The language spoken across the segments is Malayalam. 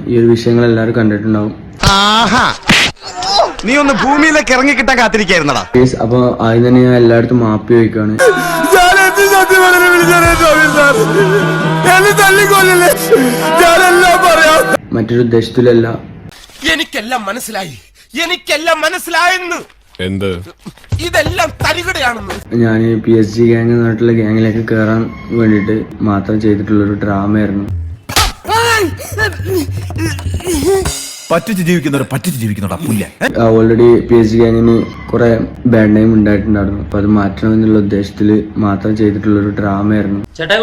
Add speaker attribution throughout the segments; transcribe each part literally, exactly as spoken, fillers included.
Speaker 1: ഈ ഒരു വിഷയങ്ങൾ എല്ലാവരും കണ്ടിട്ടുണ്ടാവും.
Speaker 2: നീ ഒന്ന് ഭൂമിയിലേക്ക് ഇറങ്ങി കിട്ടാൻ കാത്തിരിക്കായിരുന്നടാ.
Speaker 1: അപ്പൊ ആദ്യം തന്നെ ഞാൻ എല്ലായിടത്തും മാപ്പി ചോദിക്കാണ്. മറ്റൊരു ഉദ്ദേശത്തിലല്ല.
Speaker 3: എനിക്കെല്ലാം മനസ്സിലായി, എനിക്കെല്ലാം മനസ്സിലായെന്ന്. എന്ത് ഇതെല്ലാം തരികടയാണെന്ന്.
Speaker 1: ഞാൻ പി എസ് ജി ഗ്യാങ് നാട്ടിലെ ഗ്യാങ്ങിലേക്ക് കയറാൻ വേണ്ടിട്ട് മാത്രം ചെയ്തിട്ടുള്ളൊരു ഡ്രാമയായിരുന്നു.
Speaker 2: പറ്റിച്ച് ജീവിക്കുന്നവർ പറ്റിച്ച് ജീവിക്കുന്നവരാ പുല്ല.
Speaker 1: ഓൾറെഡി പി എസ് ജി ഗ്യാങ്ങിന് കുറെ ബാഡ് നെയിം ഉണ്ടായിട്ടുണ്ടായിരുന്നു. അപ്പൊ അത് മാറ്റണം എന്നുള്ള ഉദ്ദേശത്തിൽ മാത്രം ചെയ്തിട്ടുള്ളൊരു ഡ്രാമയായിരുന്നു.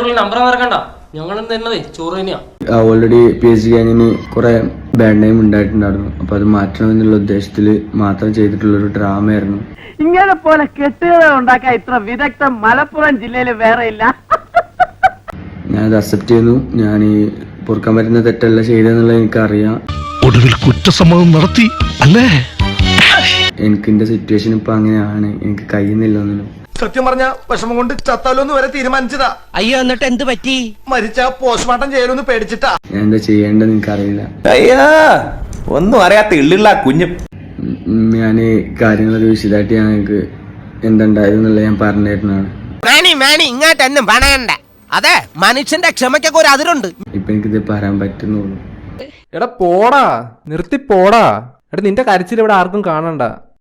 Speaker 1: ഓൾറെഡി പി എസ് ജി ഗ്യാങ്ങിന് കുറെ ബാഡ് നെയിം ഉണ്ടായിട്ടുണ്ടായിരുന്നു. അപ്പൊ അത് മാറ്റണം എന്നുള്ള ഉദ്ദേശത്തിൽ മാത്രം ചെയ്തിട്ടുള്ളൊരു ഡ്രാമയായിരുന്നു.
Speaker 4: ഇങ്ങനെ പോലെ കെട്ടുകഥ ഉണ്ടാക്കാൻ ഇത്ര വിദഗ്ധം മലപ്പുറം ജില്ലയിൽ വേറെ ഇല്ല.
Speaker 1: ഞാനത് അക്സെപ്റ്റ് ചെയ്യുന്നു. ഞാൻ ഈ പൊറുക്കാൻ പറ്റുന്ന തെറ്റല്ല ചെയ്തെന്നുള്ളത് എനിക്കറിയാം.
Speaker 5: ഒടുവിൽ കുറ്റസമ്മതം നടത്തി അല്ലേ?
Speaker 1: എനിക്ക് എന്റെ സിറ്റുവേഷൻ ഇപ്പൊ അങ്ങനെയാണ്. എനിക്ക് കഴിയുന്നില്ല ഒന്നിനും.
Speaker 2: സത്യം പറഞ്ഞ വിഷമം കൊണ്ട് ചത്താലോന്ന് വരെ തീരുമാനിച്ചതാ.
Speaker 4: അയ്യോ എന്നിട്ട് എന്ത് പറ്റി?
Speaker 2: മരിച്ച പോസ്റ്റ്മോർട്ടം ചെയ്യലൊന്ന് പേടിച്ചിട്ടാ.
Speaker 1: ഞാൻ എന്താ ചെയ്യേണ്ടതെന്ന് എനിക്കറിയില്ല.
Speaker 6: അയ്യാ ഒന്നും അറിയാത്ത ഇള്ളിള്ള കുഞ്ഞും.
Speaker 1: ഞാൻ കാര്യങ്ങളൊക്കെ വിശദമായിട്ട് ഞാൻ എനിക്ക് എന്തുണ്ടായതെന്നുള്ളത് ഞാൻ പറഞ്ഞിരുന്നതാണ്.
Speaker 3: ഇങ്ങോട്ടൊന്നും പണയണ്ട. അതെ, മനുഷ്യന്റെ ക്ഷമയ്ക്കൊക്കെ ഒരു അതിരുണ്ട്.
Speaker 1: ഇപ്പൊ എനിക്കിത് പറയാൻ പറ്റുന്നുള്ളൂ.
Speaker 7: എടാ പോടാ, നിർത്തി പോടാ. എടാ നിന്റെ കരച്ചിൽ ഇവിടെ ആർക്കും കാണണ്ട.